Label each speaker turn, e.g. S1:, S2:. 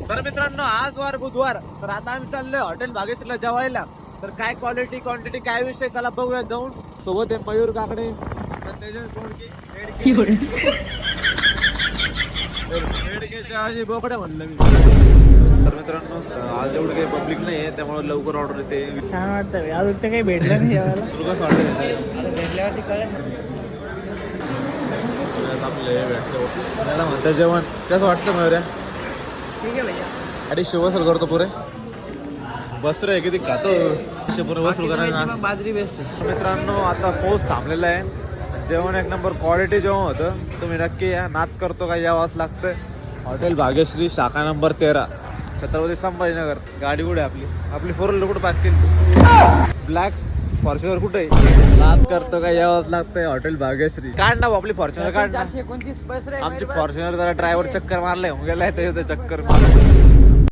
S1: तर मित्रांनो आज वार बुधवार, तर आता आम्ही चाललोय हॉटेल भाग्यश्रीला जेवायला. तर काय क्वालिटी क्वांटिटी काय विषय चला बघूया जाऊन. सोबत आहे मयूर काकडे, बोकडे म्हणलं मी. तर मित्रांनो आज एवढं काही पब्लिक नाही आहे त्यामुळे लवकर ऑर्डर येते.
S2: छान वाटतं अजून ते काही भेटलं नाही जेवायला.
S1: तुला कसं वाटतं?
S2: भेटल्यावरती कळेल.
S1: आपले भेटलो त्याला म्हणतं जेवण कसं वाटतं मयूर्या?
S2: ठीक आहे भैया.
S1: अरे शिवसर करतो पुरे बस रे किती खातो पुरे वसूल करायला.
S2: बाजरी बेस्ट.
S1: मित्रांनो आता पोस्ट थांबलेला आहे. जेवण एक नंबर क्वालिटी जेवण होतं. तुम्ही नक्की या. नाद करतो का यावंच लागतं. हॉटेल भाग्यश्री शाखा नंबर 13 छत्रपती संभाजीनगर. गाडी कुठे आपली आपली 4 व्हीलर कुठे पार्क केली? ब्लॅक फॉर्च्युनर कुठे? नाद करतो का यावंच लागतंय. हॉटेल भाग्यश्री काढ ना आपली फॉर्च्युनर काढ ना.
S2: 429 पैसे रे.
S1: आमची फॉर्च्युनर जरा ड्रायव्हर चक्कर मारले गेलाय ते चक्कर मार.